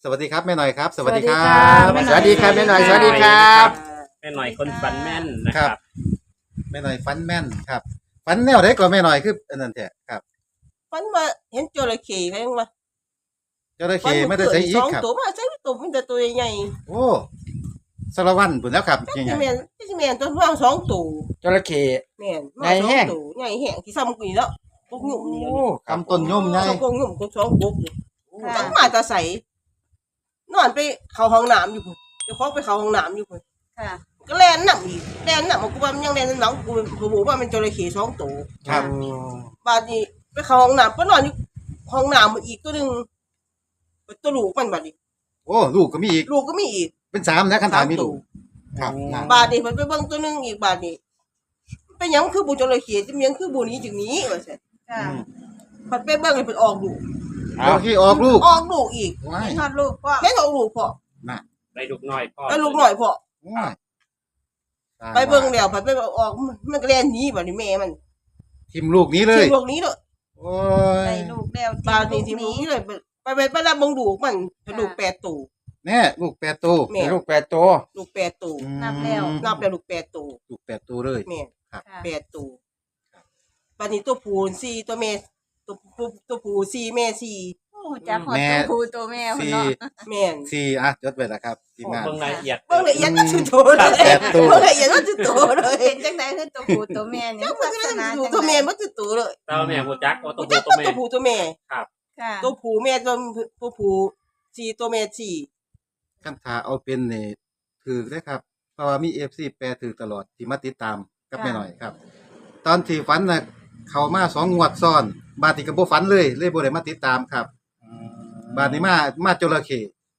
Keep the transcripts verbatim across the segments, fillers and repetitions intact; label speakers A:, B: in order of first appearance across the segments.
A: สวัสดีครับแม่หน่อยครับสวัสดีครั
B: ส
A: บ
B: วัสดีครับแม่หน่อยสวัสดีครับ
C: แม่หน่อยคนฟันแม่นนะครับ
A: แม่หน่อยฟันแม่นครับฟันแนวไหนก่อนแม่หน่อยคืออันนั้นแท้ครับ
D: ฝันว่าเห็นจระเข้ไงวะ
A: จระเข้ไม่ได้ใช้อี
D: ส
A: ก
D: อง
A: ครับ
D: ตัวมาใช้ตัวมันแต่ตัวใหญ่
A: โอ้สารวัตรพุ่นแล้วครับ
D: ๆ
A: จริง
D: ที่
A: ๆ
D: แม่นที่แม่นตัวว่างสองตัว
B: จระเข้
D: แม่น
B: ใหญ่แห้ง
D: ตัวใหญ่แห้งที่ซ้ำกูนี่แล้วพวกหนุ่มนี่
B: โอ้
A: คำต้นย่อมใหญ่
D: สองพวกหนุ่มพวกสองพวกนี่จังมาแตาใสนอนไปเข้าห้องน้ำอยู่พุ่นเดี๋ยวเขาไปเข้าห้องน้ำอยู่พุ่น
E: ค่ะ
D: ก็แล่นน้ำอีกแล่นน้ำกูว่ามันยังแล่นน้ำกูกูบอกว่ามันจระเข้สองตัว
A: ครับ
D: บาดนี้ไปเข้าห้องน้ำก็นอนอยู่ห้องน้ำมันอีกตัวหนึงตัวลูกมันบาดนี้
A: โอ้ลูกก็มีอีก
D: ลูกก็มีอีก
A: เป็นสามนะคันถามมี
D: สามตั
A: ลู
D: ว
A: กครับนะ
D: บาดนี้มันไปเบิ่งตัวหนึงอีกบาดนี้เป็นหยังคือบุจระเข้จะมีหยังคือบุนี้จึงนี้ว่าซั่น
E: ค่ะ
D: พัดไปเบิ่งให้เพิ่นออกลูก
A: จระเข้ออกลูก
D: ออกลูกอีก
A: ว้าย
E: ทอดลูกก็
D: แม่นออกลูกพอ
A: น่ะ
C: ได้ลูกน้อยพ่อ
D: ไปลูกหน่อยพอ
A: ว้าย
D: ไปเบิ่งแล้วพัดไปออกมันก็แล่นหนีบาดนี้แม่มัน
A: ทิมลูกนี้เลย
D: ทิ้งลูกนี้เด้อ
A: โอ้ย
E: ได้ลูกแล้ว
D: บาดนี้ทิ้งลูกนี้เลยไปไปไปรับเบิ่งลูกมันเป็นลูกแปดตัว
A: แน่ลูกแปดตัว
D: แม่
B: ลูกแปดตัว
D: ลูกแปดตัว
A: อืม
D: นับแล้วลูกแปดตัว
A: ลูกแปดตัวเลย
D: แม่
A: ครับ
E: ค่ะ
D: แปดตัวบาดนี้ตัวผู้สี่ตัวแม่ตัวผู้ตัวผู้สี่แม่สี่
E: โอ้จักหอดตัวผู้ตัวแม่พุ่น
A: สี่
E: เนาะ
D: แม่น
A: สี่อ่ะจดไว้แล้วครับทีมงาน
C: เบิ่งรายละเอียด
D: เบิ่งละเอียดว่าจุดโตเลย
A: แปดตัว
D: เบิ่งละเอียดว่าจุดโตเลย
E: เป็นจังไดคือตัวผู้ตัวแม่นี่
D: เจ้า
E: ลั
D: มัน
E: ก
D: จะ
E: ษณะ
D: เป็น
E: จัง
D: ตัว
E: ได
D: แม่มันจุดโตเลย
C: เต้าแม่ฮู้จักว่าตัว
D: ตัว
C: ผู้ตัวแม่
D: ผู้ตัวแม่
E: ค่ะ
D: ตัวผู้แม่ตัวตัวผู้สี่ตัวแม่สี่
A: คันถาเอาเป็นนี่ถือได้ครับ เพราะว่ามี เอฟ ซี แปรถือตลอดที่มาติดตามกับแม่หน่อยครับ ตอนที่ฝันน่ะเข้ามาสองงวดซ้อน บาดนี้ก็บ่ฝันเลย เลยบ่ได้มาติดตามครับ บาดนี้มามาจระเข้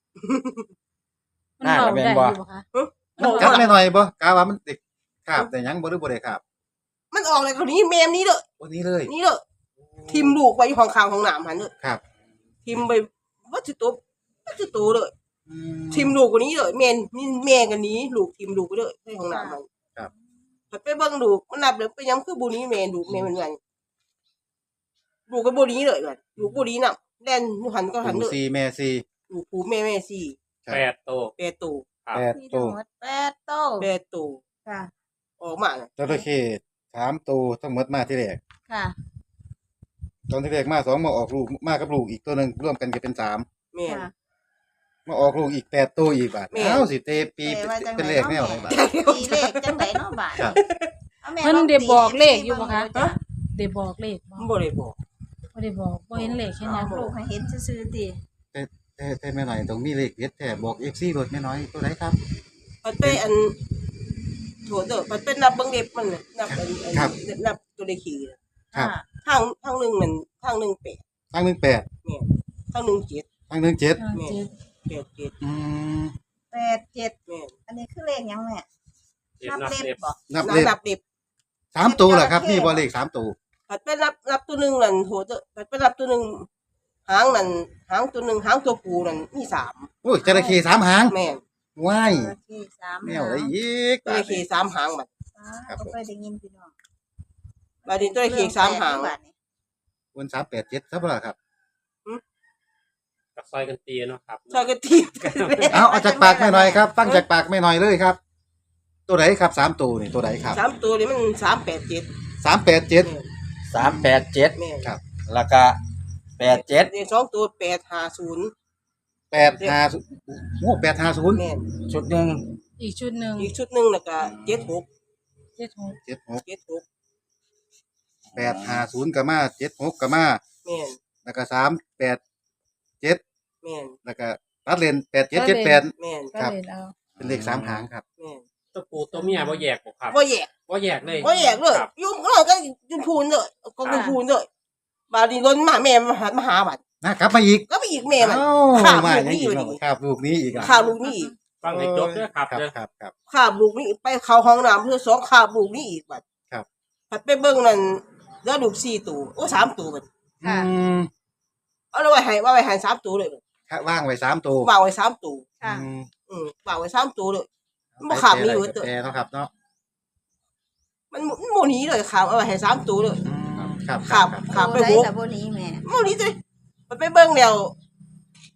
B: น่าจะเป็นบ่
A: มันกัดแม่หน่อยบ่กะว่ามันติดคาบแต่หยังบ่หรือบ่ได้คาบ
D: มันออกเลยคนนี้แม่มนี้เด้อ
A: วันนี้เลย
D: นี่เด้อทิมลูกไว้อยู่ห้องข้างห้องน้ำหันเด้อ
A: ครับ
D: ทิมไปว่าจุดโตว่าจุดโตเลย
A: อืม
D: ทิมลูกคนนี้เลยแม่นมีแม่กันนี้ลูกทิมลูกไปเลยในห้องน้ำมัน
A: ครับ
D: ไปไปเบิ่งลูกมันนับเลยไปยังคือบุนี้แม่ลูกแม่มันไงลูกก็บุนี้เลยกันลูกบุนี้น่ะแล่นหันก็หัน
A: ปู่
D: เลย
A: สี่แม่สี่
D: ลูกผู้แม่แม่สี่
C: แปดโต
D: แปดตัว
C: ครับ
A: แปด
E: มี
A: ตั
E: ทั้ง
A: ว
E: หมดแปดโตว
D: แปดตัว
E: ค่ะ
D: ออกมาน่ะ
A: จระเข้สามตัวทั้งหมดมาที่แรก
E: ค่ะ
A: ตอนที่แรกมาสองมาออกลูกมากับลูกอีกตัวหนึงรวมกันก็เป็นสาม
D: แม่น
E: ค่ะ
A: มาออกลูกอีกแปดตัวอีกบาด
D: แม่
A: เอ้าสิเตปี
E: แต่ว่าจัง
A: เป็น
E: ได
A: เลขแนวไหน
E: เนาะ
A: บาด
E: ตีเลขจังไดเนาะบาด
A: ครับ
E: อาแม่
F: เพิ่น
E: ลอง
F: ได้
E: ตี
F: บอกเลขอยู่บ่คะ
E: จ้
F: ได้บอกเลขบ่
D: มันบ่ได้บอก
F: บ่ได้บอกบ่เห็นเลขแค่นั้น
E: ลูกให้เห็นซื่อๆติ
A: แต่แต่แต่แม่หน่อยต้องมีเลขเด็ดแท้บอก เอฟ ซี รถแม่น้อยตัวไหนครับ
D: มันไปอันโถเด้อมันเป็นนับเบิ่งเล็บมันน่ะนับอันอัน
A: ครับ
D: นับตัวเลขขี่น่ะ
A: ครับ
E: ค่ะ
D: ทางทางหนึงมันทางหนึงแปด
A: ทางหนึ่งแปด
D: แม่นทางหนึงเจ็ด
A: ทางหนึ่งเจ็ด
F: ห้าเจ็ด
D: แปดเจ็ด
A: อืม
E: แปดเจ็ด
D: แม่น
E: อันนี้คือเลขหยังแม่
C: เจ็ด
E: นับ
C: นับ
E: เล็
C: เล็
E: บบ บ่
A: นับ
D: นับ
A: เลข
D: นับเล็บ
A: สามตัวเหรอครับนี่บอเลขสามตัว
D: มันไปนับนับตัวหนึงนั่นโถเด้อมันไปนับตัวหนึงหางนั่นหางตัวหนึงหางตัวผู้นั่นมีสาม
A: โอ้ยจระเข้สามหาง
D: แม่น
A: ว้าย
E: โอเคสาม
A: แนวอะไรอีก
D: ตัวเลขขี่สามหางบัด
A: ครับ
E: ก็เคยได้ยินพี่น้อง
D: บัดนี้ตัวเลขขี่สามหาง
E: บาดนี้
A: วันสามแปดเจ็ดซับละครับ
C: กับซอยกันตีเนาะครับ
D: ซอยกันทีบ
A: เอาเอาจากปากแม่หน่อยครับฟังจากปากแม่หน่อยเลยครับ ตัวไหนครับสามตัวนี่ตัวไหนครับ
D: สามตัวนี่มันสามแปดเจ็ด
A: สามแปดเจ็ด
B: สามแปดเจ็ด
D: แม่น
A: ครับ
B: แล้วก็แปดเจ็ด
D: เลขสองตัวแปดห้าศูนย์
A: แปดห้าโอ้แปดห้าศูนย์
D: แม่น
B: ชุดหนึ่ง
F: อีกชุดหนึง
D: อีกชุดหนึงแล้วก็เจ็ดหก
F: เจ็ดหก
A: เจ็ดหก
D: เจ็ดหก
A: แปดห้าศูนย์กับมาเจ็ดหกกับมา
D: แม่น
A: แล้วก็สามแปดเจ็ด
D: แม่น
A: แล้วก็รัดเลนแปดเจ็ดเจ็ดแปด
D: แม่น
F: ก็
A: ครับ
F: เลยเอา
A: เป็นเลขสามหางครับ
D: แม่น
C: ตัวผู้ตัวเมียบ่แยกบ่ครับ
D: บ่แยก
C: บ่แยกเลย
D: บ่แยกเลย
C: ครับ
D: ยุ่งเราก็ยุ่งพูนเลยก็ยุ่งพูนเลยบาดนีล้นมาแม่มาหามาหาบัด
A: นะครับมาอีก
D: ก็ไปอีกแม่มัน
A: เอ้า
D: ข้าม
A: มา
D: ลูก
A: อย่าง
D: นี่
A: อี
D: อยู่
A: ก
D: นี่
A: เนาะครับลูกนี้อีกอ่ะ
D: ข้ามลูกนี่อีก
C: ฟังให้จบด้วยครับ
A: ครับ
C: เด้อ
A: ครับครับ
D: ข้ามลูกนี่ไปเข้าห้องน้ำเพื่อสองข้ามลูกนี่อีกบัด
A: ครับ
D: ผัดไปเบิ่งนั่นแล้วลูกสี่ตัวโอ้สามตัวบัด
A: อืม
D: เอาไว้ให้ว่าไว้ให้สามตัวเลย
A: ครับว่างไว้สามตัว
D: วางไว้สามตัว
E: ค่ะ
A: อืม
D: อืมวางไว้สามตัวเลยมันบ่ขาดมีอยู่เด้อ
A: แปรเนาะครับเนาะ
D: มันมันโมนี้เลยขามเอาไว้ให้สามตัวเลย
A: อืมครับ
D: ครับ
A: ครับ
D: ครับ
E: โต
D: ไป
E: ได้
D: หก
E: ละบ่นี้แม่
D: โมนี้เลยมันไปเบิ่งแล้ว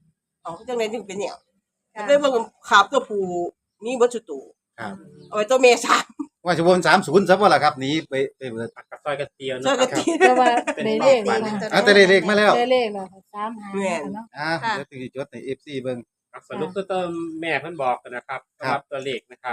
D: เอาจังไดจึงเป็นแนวได้เบิ่งขาบตัวผู้มีเบิดสุดตัว
A: ครับ
D: เอาไว้ตัวเมียสาม
A: ว่าจะวนสามศูนย์ซะบ่ล่ะครับหนีไปไปเบิด
C: กับซอยกันเตียว
D: ช่วย
C: เนาะ
D: กัน
C: ครับ
D: ตี
F: แต่ว่าได้เลขแล้ว
A: อ่ะแต่ได้เลขมาแล้ว
F: ได้เลขแล้วค่ะสามหา
D: แม่น
F: เนาะ
A: อ่ะเดี๋ยวสิจดใน เอฟ ซี เบิ่ง
C: ครับสรุปตัวเติมแม่เพิ่นบอกกันนะครับ
A: ครั
C: สำหรับ บตัวเลขนะครับ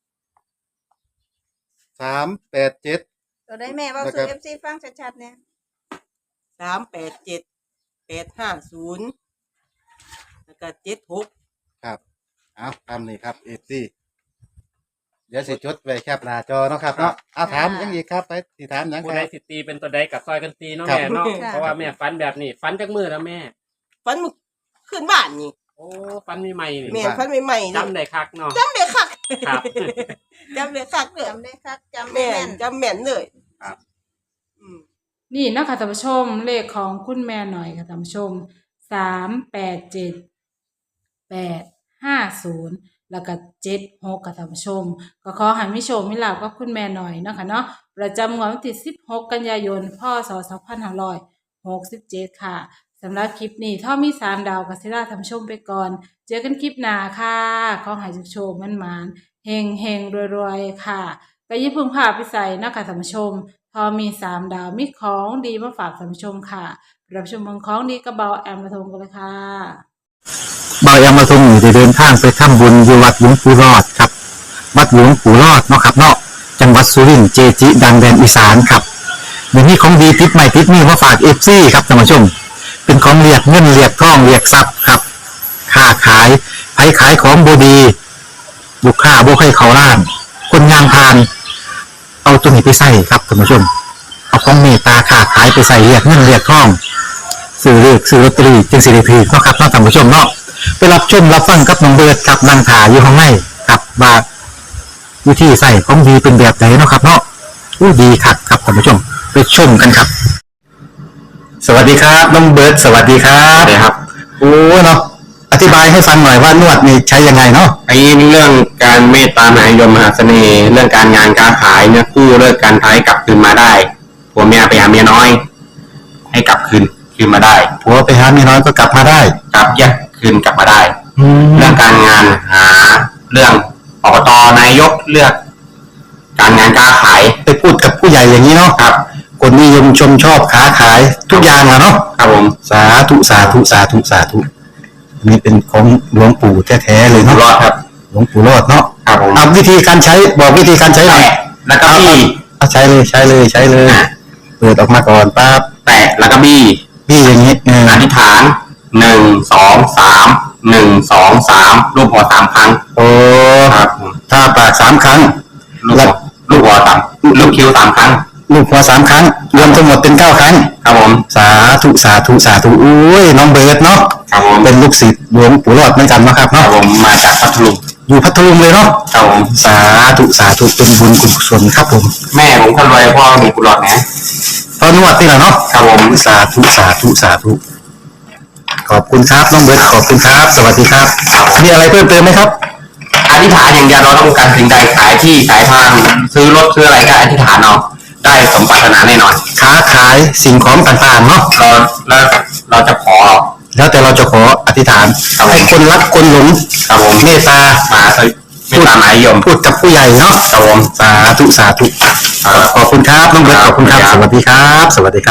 A: สามแปดเจ็ด
E: ตัวได้แม่เว่า
A: นะค
E: สู่
A: รับ
E: เอฟซีฟังชัดๆเนี่ย
D: สามแปดเจ็ดแปดห้าศูนย์แล้วก็เจ็ดหก
A: ครับเอาตามนี้ครับ เอฟ ซี เดี๋ยวสิจดไว้แคปหน้าจอเนาะครับเนาะเอาถามยังอีกครับไปสิถามหยัง
C: ผู้
A: ค
C: ใด
A: รับ
C: สิตีเป็นตัวใดกับซอยกันตีเนาะ
A: ครับ
C: แม่เนาะเพราะว่าแม่ฝันแบบนี้ฝันจากมือแล้วแม่
D: ฟันมันขึ้นบ้านนี่
C: โอ้ฝันใหม่ๆนี่
D: แม่ฟันใหม่ๆนี่
C: จำได้คักเนาะ
D: จำได้คัก
C: ครับ
D: จำได้คักเลย
E: จำได้ครับจำได้
D: แม่
E: แม่น
D: จำแม่นเลย
C: ครับ
D: อืม
F: นี่นะคะท่านผู้ชมเลขของคุณแม่หน่อยค่ะท่านผู้ชมสามแปดเจ็ดแปดห้าศูนย์แล้วก็เจ็ดหกค่ะท่านผู้ชม ก็ขอให้มิโชคมิลาภกับคุณแม่หน่อยเนาะคะเนาะประจำงวดวันที่สิบหกกันยายนพศสองพันห้าร้อยหกสิบเจ็ดค่ะสำหรับคลิปนี้ถ้ามีสามดาวกัสิลาท่านผู้ชมไปก่อน เจอกันคลิปหน้าค่ะขอให้โชคๆมันมานๆเฮงเฮงๆรวยๆค่ะก็อยิ่าเพึ่งพาไปใส่เนาะคะท่านผู้ชม พอมีสามดาวมีของดีมาฝากท่านผู้ชมค่ะรับชมเมืองของดีกระเบาแอมมาทงกันเลยค่ะ
G: บายามาทรงอยู่ได้เดินทางไปทำบุญอยู่วัดหลวงปู่รอดครับ วัดหลวงปู่รอดเนาะครับเนาะจังหวัดสุรินทร์เจจิ ดังแดนอีสานครับเดี๋ยวนี้ของดีติดใหม่ติดนี่มาฝากเอฟซีครับท่านผู้ชม เป็นของเรียกเงินเรียกทองเรียกทรัพย์ครับค้าขายไผขายของบดีลูกค้าบ่ให้เขาล้าน คนงานพาน เอาตัวนี้ไปใส่ครับท่านผู้ชม เอาของเมตตาค้าขายไปใส่เรียกเงินเรียกทองซื้อเลือกซื้อลอตเตอรี่จึงสิริพีเนาะครับเนาะท่านผู้ชมเนาะไปรับชมรับฟังกับน้องเบิร์ดกับนางถาอยู่ข้างในกับว่าวิธีใส่ของดีเป็นแบบไหนเนาะครับเนาะอู้ดีครับครับท่านผู้ชมไปชมกันครับ สวัสดีครับน้องเบิร์ดสวัสดีครับสวัสดีครับโอ้เนาะอธิบายให้ฟังหน่อยว่านวดนี่ใช้ยังไงเนาะ
H: ไอ้เรื่องการเมตตามหานิยมมหาเสน่ห์เรื่องการงานการขายเนี่ยกู้เลิกการท้ายกลับคืนมาได้ผัวเมียไปหาเมียน้อย ให้กลับคืนคืนมาได้
G: ผัวไปหาเมียน้อยก็กลับมาได้
H: กลับแยกคืนกลับมาได้
G: แล้
H: เรื่
G: ว
H: องการงานหาเรื่องอบตนายกเลือก การงานการขาย
G: ไปพูดกับผู้ใหญ่อย่างนี้เนาะ
H: ครับ
G: คนนิยมชมชอบค้าขายทุกอย่างอะเนาะ
H: ครับผม
G: สาธุสาธุสาธุสาธุอันนี้เป็นของหลวงปู่แท้ๆเลย
H: อยู่
G: เนาะ
H: รอดครับ
G: หลวงปู่รอดเนาะ
H: ครับผม
G: เอาวิธีการใช้บอกวิธีการใช้หน่อย
H: แตะแล้วก็บี้
G: เอาใช้เลยใช้เลยใช้เลยเปิดออกมาก่อนปั๊บ
H: แตะแล้วก็บี้
G: พี่อย่างนี้เออ
H: อธิษฐานหนึ่งสองสามหนึ่งสองสามรูปหัวสามครั้ง
G: โอ้
H: ครับผม
G: ถ้าปากสามครั้ง
H: ลูกหัวลูกหัวสามลูกคิ้วสามครั้ง
G: ลูกหัวสามครั้ง รวมทั้งหมดเป็นเก้าครั้ง
H: ครับผม
G: สาธุสาธุสาธุอุ้ยน้องเบิร์ดเนาะ
H: ครับผม
G: เป็นลูกศิษย์หลวงปู่รอดเหมือนกันเนาะครับ
H: ครั
G: เนาะ
H: บผมมาจากพัทลุง
G: อยู่พัทลุงเลยเนาะ
H: ครับผม
G: สาธุสาธุเป็นบุญกุศลครับผม
H: แม่ผมคนรวยพ่อมีกุหลาบนะ
G: ตอนนวดนี่แหละเนาะ
H: ครับผม
G: สาธุสาธุสาธุขอบคุณครับน้องเบิร์ดขอบคุณครับ สวัสดีครับมีอะไรเพิ่มเติมไหมครับ
H: อธิษฐานอย่างเดียวเราต้องการสิ่งใดขายที่ขายทางซื้อรถซื้ออะไรก็อธิษฐานเอาได้สมปรารถนาแน่นอน
G: ค้าขายสิ่งของต่างๆเนาะ
H: เราเราเราจะขอ
G: แล้วแต่เราจะขออธิษฐานให้คนรักคนหลง
H: ครับผม
G: เมตตา
H: มาไม่ตามหมายยม
G: พูดกับผู้ใหญ่เนาะ
H: ครับผม
G: สาธุสาธุขอบคุณครับน้องเบิร์ตขอบคุณครับ สวัสดีครับ สวัสดีครับ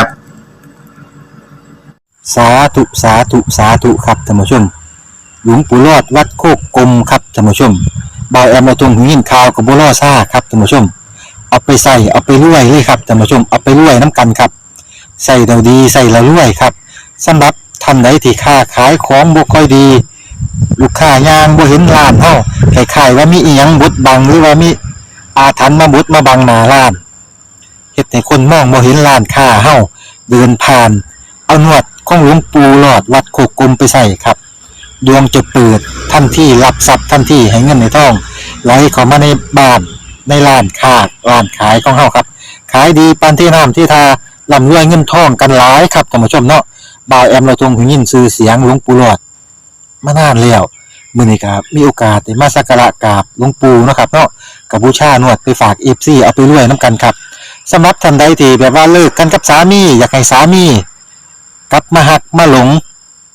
G: สาธุสาธุสาธุครับท่านผู้ชม หลวงปู่รอดวัดโคกกลมครับท่านผู้ชมบอยแอมมาตรงหูยินข่าวกับบัวล่อซ่าครับท่านผู้ชม เอาไปใส่เอาไปรวยเลยครับท่านผู้ชมเอาไปรวยน้ำกันครับใส่เราดีใส่เรารวยครับสำหรับท่านใดที่ค้าขายของบ่ค่อยดี ลูกค้ายางบ่เห็นร้านเฮาคล้ายๆว่ามีอีหยังบดบังหรือว่ามีอาถรรพ์มาบดมาบังหน้าร้านเฮ็ดให้คนมองบ่เห็นร้านค้าเฮาเดินผ่าน เอาหนวดของหลวงปู่หลอดวัดโคกกลมไปใส่ครับดวงจะเปิดทันทีรับทรัพย์ทันทีให้เงินในทองไหลเข้ามาในบ้านในร้านค้าร้านขายของเฮาครับขายดีปานที่น้ำที่ทาร่ำรวยเงินทองกันหลายครับท่านผู้ชมเนาะบ่าวแอมเราทรงหูยินชื่อเสียงหลวงปู่หลอดมานานแล้วมื้อนี้ก็มีโอกาสได้มาสักการะกราบหลวงปู่เนาะครับเนาะก็บูชานวดไปฝาก เอฟ ซี เอาไปรวยนํกันครับสำหรับท่านใดที่แบบว่าเลิกกันกับสามีอยากให้สามีกลับมาหักมาหลง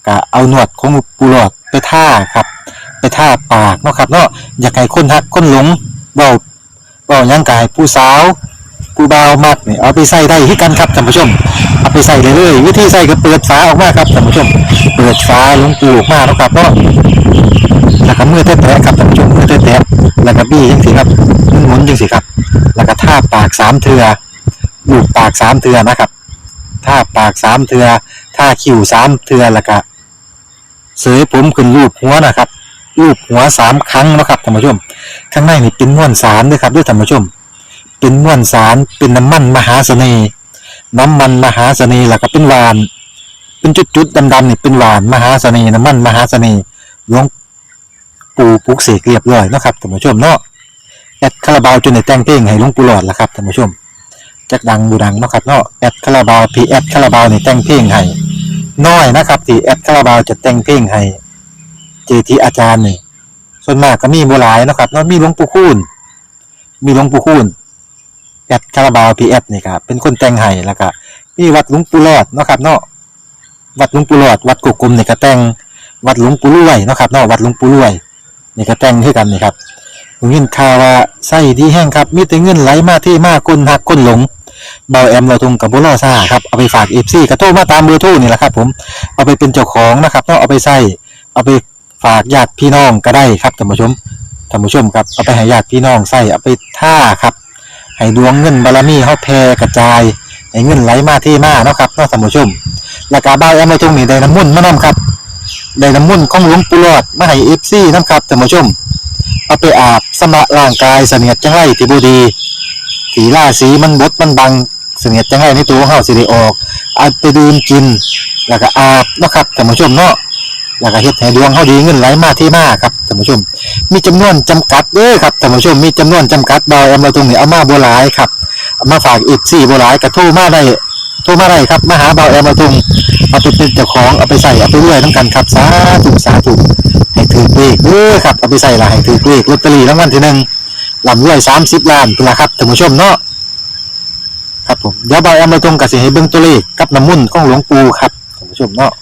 G: ก็เอาหนวดของปูหลอดไปท่าครับไปท่าปากเนาะครับเนาะอยากให้คนฮักคนหลงเบาเบาหยังกายผู้สาวผู้บ่าวมากนี่เอาไปใส่ได้ที่กันครับท่านผู้ชมเอาไปใส่เลยเลยวิธีใส่ก็เปิดฝาออกมาครับท่านผู้ชมเปิดฝาหลวงปูออกมาแล้วครับเนาะแล้วก็มือแตะๆครับท่านผู้ชมมือแตะๆแล้วก็บี้จังสิครับหมุนๆจังสิครับแล้วก็ท่าปากสามเทือลูบปากสามเทือนะครับท่าปากสามเทือท่าคิ้วสามเทือแล้วก็เสยผมขึ้นรูปหัวนะครับรูปหัวสามครั้งนะครับท่านผู้ชมข้างในนี่เป็นม้วนสารด้วยครับด้วยท่านผู้ชมเป็นม้วนสารเป็นน้ำมันมหาเสน่ห์น้ำมันมหาเสน่ห์แล้วก็เป็นหวานเป็นจุดๆดำๆนี่เป็นหวานมหาเสน่ห์น้ำมันมหาเสน่ห์หลวงปู่ปลุกเสกเรียบร้อยนะครับท่านผู้ชมเนาะแอดคาราบาวจนได้แต่งเพลงให้หลวงปู่หลอดแล้วครับท่านผู้ชมจักดังบูดังเนาะครับเนาะแอดคาราบาวพีแอดคาราบาวนี่แต่งเพลงให้น้อยนะครับที่แอดคาราบาวจะแต่งเพลงให้เจทีอาจารย์นี่ส่วนมากก็มีบ่หลายนะครับเนาะมีหลวงปู่คูณมีหลวงปู่คูณแอดคาราบาวพีแอดนี่ครับเป็นคนแต่งให้แล้วก็มีวัดหลวงปู่หลอดเนาะครับเนาะวัดหลวงปู่หลอดวัดกุกกุมนี่ก็แต่งวัดหลวงปู่รวยเนาะครับเนาะวัดหลวงปู่รวยนี่ก็แต่งให้กันนี่ครับผมยินข่าวว่าไส้ดีแห้งครับมีแต่เงินไหลมาที่มาคนหักคนหลงเบาแอมเราทุงกับบุรอซ่าครับเอาไปฝากเอฟซีกระโทรมาตามเบอร์โทรนี่แหละครับผมเอาไปเป็นเจ้าของนะครับเนาะเอาไปใส่เอาไปฝากญาติพี่น้องก็ได้ครับท่านผู้ชมท่านผู้ชมครับเอาไปให้ญาติพี่น้องใส่เอาไปท่าครับให้ดวงเงินบารมีเฮาแผ่กระจายให้เงินไหลมาที่มาเนาะครับเนาะท่านผู้ชมแล้วก็เบาแอมเราทุงนี่ได้น้ำมุ่นต์มานํครับได้น้ำมุ่นต์ของหลวงปู่หลอดมาให้เอฟซีนํครับท่านผู้ชมเอาไปอาบสำระร่างกายเสนียดจังไรที่บ่ดีสีล่าสีมันบดมันบังเสนียดจังไรในตัวของเฮาสิได้ออกเอาไปดื่มกินแล้วก็อาบเนาะครับท่านผู้ชมเนาะแล้วก็เฮ็ดให้ดวงเฮาดีเงินไหลมาที่มาครับท่านผู้ชมมีจำนวนจำกัดเด้อครับท่านผู้ชมมีจำนวนจำกัดบ่เอามาตรงนี้เอามาบ่หลายครับเอามาฝากอีกสี่บ่หลายก็โทรมาได้โทรมาได้ครับมาหาบ่าวแอมมาตรงเอาไปเป็นเจ้าของเอาไปใส่เอาไปรวยนำกันครับสาธุสาธุให้ถือเลขเด้อครับเอาไปใส่ละให้ถือเลขลอตเตอรี่รางวัลที่หนึ่งลำรวยสามสิบล้านเป็นละครับท่านผู้ชมเนาะครับผมเดี๋ยวบ่าวแอมมาตรงกับสิให้เบิ่งตัวเลขกับน้ำมุ่นต์ของหลวงปู่ครับท่านผู้ชมเนาะ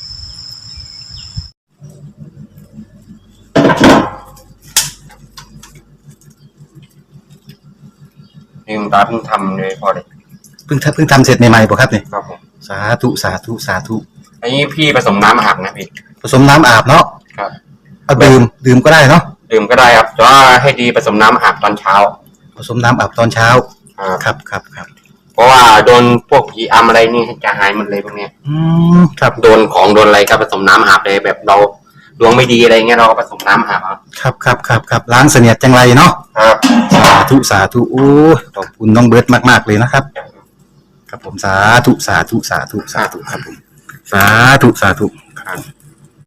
H: ลืมตาเพิ่งทำเลยพอเลย
A: เพิ่งทำเพิ่งทำเสร็จใหม่ๆบ่ครับเนี่ย
H: ครับผม
A: สาธุสาธุสาธุ
H: อันนี้พี่ผสมน้ำอาบนะพี่
A: ผสมน้ำอาบเนาะ
H: ครับ
A: เอาดื่มดื่มก็ได้เนาะ
H: ดื่มก็ได้ครับแต่ว่าให้ดีผสมน้ำอาบตอนเช้า
A: ผสมน้ำอาบตอนเช้า
H: ครับ
A: ครับครับครับ
H: เพราะว่าโดนพวกผีอำอะไรนี่จะหายหมดเลยพวกเนี้ย
A: อืมครับ
H: โดนของโดนอะไรก็ผสมน้ำอาบเลยแบบเราดวงไม่ดีอะไรเงี้ยเราก็ผสมน้ำอาบครับ
A: ครับครับครับครับล้างเสนียดจังไรเนาะ
H: ครับ
A: สาธุสาธุโอ้ยขอบคุณน้องเบิร์ตมากๆเลยนะครับ ครับผมสาธุสาธุสาธุสาธุครับผมสาธุสาธุ
H: ครับ